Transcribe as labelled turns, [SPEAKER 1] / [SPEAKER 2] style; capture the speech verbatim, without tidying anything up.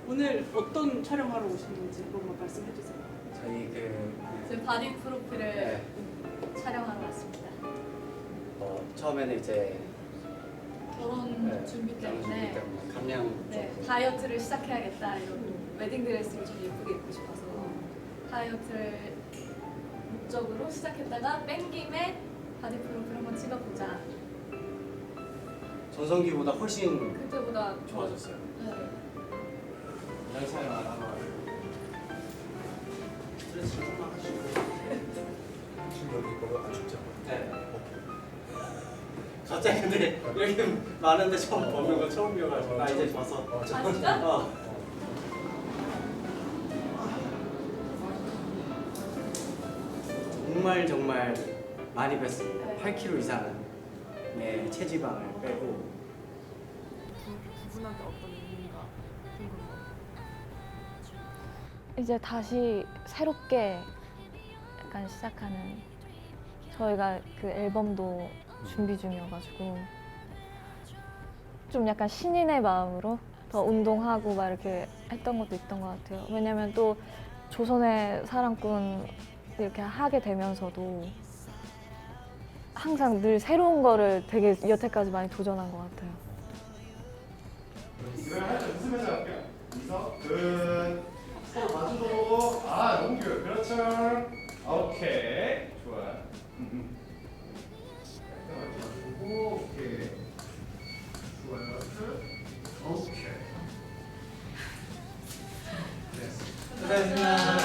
[SPEAKER 1] 오늘 어떤 촬영하러 오신 건지 한 번만 말씀해 주세요.
[SPEAKER 2] 저희 그
[SPEAKER 3] 지금 바디 프로필을
[SPEAKER 2] 네,
[SPEAKER 3] 촬영하러 왔습니다.
[SPEAKER 2] 어, 처음에는 이제
[SPEAKER 3] 결혼
[SPEAKER 2] 네,
[SPEAKER 3] 준비
[SPEAKER 2] 결혼
[SPEAKER 3] 때문에
[SPEAKER 2] 준비 때문에 감량
[SPEAKER 3] 네,
[SPEAKER 2] 좀
[SPEAKER 3] 다이어트를 시작해야겠다 이런 웨딩 드레스를 좀 예쁘게 입고 싶어서 다이어트를 목적으로 시작했다가 뺀 김에 바디 프로필 한번 찍어보자.
[SPEAKER 2] 전성기보다 훨씬
[SPEAKER 3] 그때보다
[SPEAKER 2] 좋아졌어요.
[SPEAKER 3] 네.
[SPEAKER 2] 영상을 한번 스트레스 조금만 하시고.
[SPEAKER 4] 지금 여기 거가 안 춥지 않아요?
[SPEAKER 2] 네. 갑자기 근데 이렇게 많은데 처음 보는 거 처음이어가지고 나 이제 봐서.
[SPEAKER 4] 어,
[SPEAKER 3] 아
[SPEAKER 4] 잠깐.
[SPEAKER 3] 진짜?
[SPEAKER 2] 어. 정말 정말 많이 뺐습니다.
[SPEAKER 3] 네.
[SPEAKER 2] 팔 킬로그램 이상의 체지방을 빼고.
[SPEAKER 1] 두 분한테 어떤 의미가 궁금해요.
[SPEAKER 5] 이제 다시 새롭게 약간 시작하는 저희가 그 앨범도 준비 중이어가지고 좀 약간 신인의 마음으로 더 운동하고 막 이렇게 했던 것도 있던 것 같아요. 왜냐면 또 조선의 사랑꾼 이렇게 하게 되면서도 항상 늘 새로운 거를 되게 여태까지 많이 도전한 것 같아요.
[SPEAKER 6] 이번에 할때 웃으면서 할게요. 이서 근 서로 마주보고 아 너무 귀여워. 그렇죠. 오케이 좋아. 마주보고 오케이 좋아요. 끝. 오케이. 됐어.
[SPEAKER 2] 고생하셨습니다.